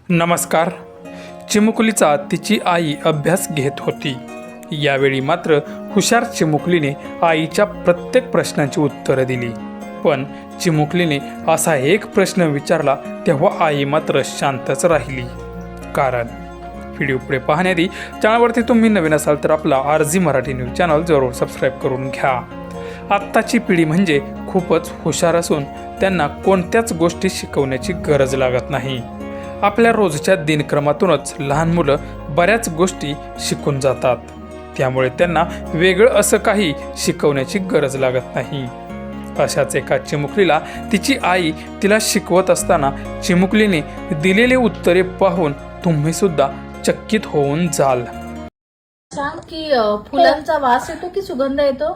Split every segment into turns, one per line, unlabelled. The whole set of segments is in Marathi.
नमस्कार. चिमुकलीचा तिची आई अभ्यास घेत होती. यावेळी मात्र हुशार चिमुकलीने आईच्या प्रत्येक प्रश्नांची उत्तरं दिली. पण चिमुकलीने असा एक प्रश्न विचारला तेव्हा आई मात्र शांतच राहिली. कारण व्हिडिओ पुढे पाहण्याआधी चॅनलवरती तुम्ही नवीन असाल तर आपला RG मराठी न्यूज चॅनल जरूर सबस्क्राईब करून घ्या. आत्ताची पिढी म्हणजे खूपच हुशार असून त्यांना कोणत्याच गोष्टी शिकवण्याची गरज लागत नाही. आपल्या रोजच्या दिनक्रमातूनच लहान मुलं बऱ्याच गोष्टी शिकून जातात. त्यामुळे त्यांना वेगळं असं काही शिकवण्याची गरज लागत नाही. अशाच एका चिमुकलीला तिची आई तिला शिकवत असताना चिमुकलीने दिलेली उत्तरे पाहून तुम्ही सुद्धा चकित होऊन जाल.
सांग की फुलांचा वास येतो की सुगंध येतो?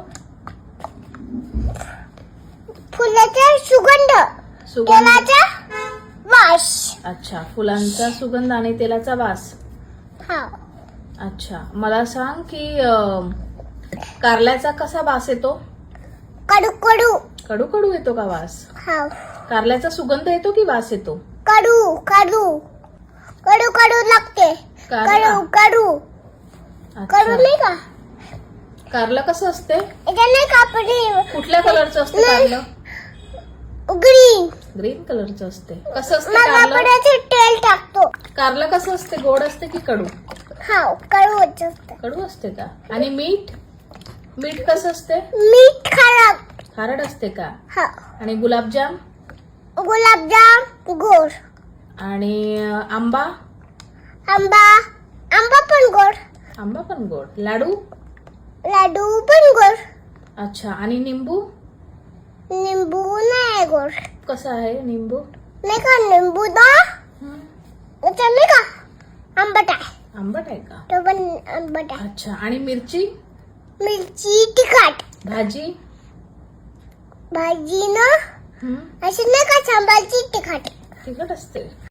फुलाचा सुगंध,
सुगंध.
तेलाचा वास.
अच्छा, फुलांचा सुगंध आणि तेलाचा वास.
हा.
अच्छा, मला सांग की कारल्याचा कसा वास येतो?
कडू कडू.
कडू कडू येतो का वास?
हा.
कारल्याचा सुगंध येतो की वास येतो?
कडू कडू कडू कडू लागते.
कारला.
कडू कडू कडू
अच्छा,
नाही का?
कारलं कसं असते?
इथे नाही का आपली
कुठल्या कलरचं असते
नाही.
कारलं?
ग्रीन.
ग्रीन कलरचं असते. कसं असते
मग
कारलं?
आपण याचे तेल टाकतो.
कारलं कसं असते? गोड असते की कडू?
हा, कडू असतं.
कडू असते का? आणि मीठ? मीठ कसं असते?
मीठ खारट.
खारट असते का?
हा.
आणि गुलाबजाम?
गुलाबजाम गोड.
आणि आंबा?
आंबा आंबा पण गोड.
आंबा पण गोड. लाडू?
लाडू पण गोड.
अच्छा, आणि निंबू?
निंबू नाही गोड.
कसं आहे निंबू?
नाही का निंबू ना? त्याचा नाही का आंबट आहे.
आंबट आहे का?
तो पण आंबट आहे.
अच्छा, आणि मिरची?
मिरची तिखट.
भाजी?
भाजी ना
हं,
अशी नाही का सांबारची तिखट.
तिखट असते.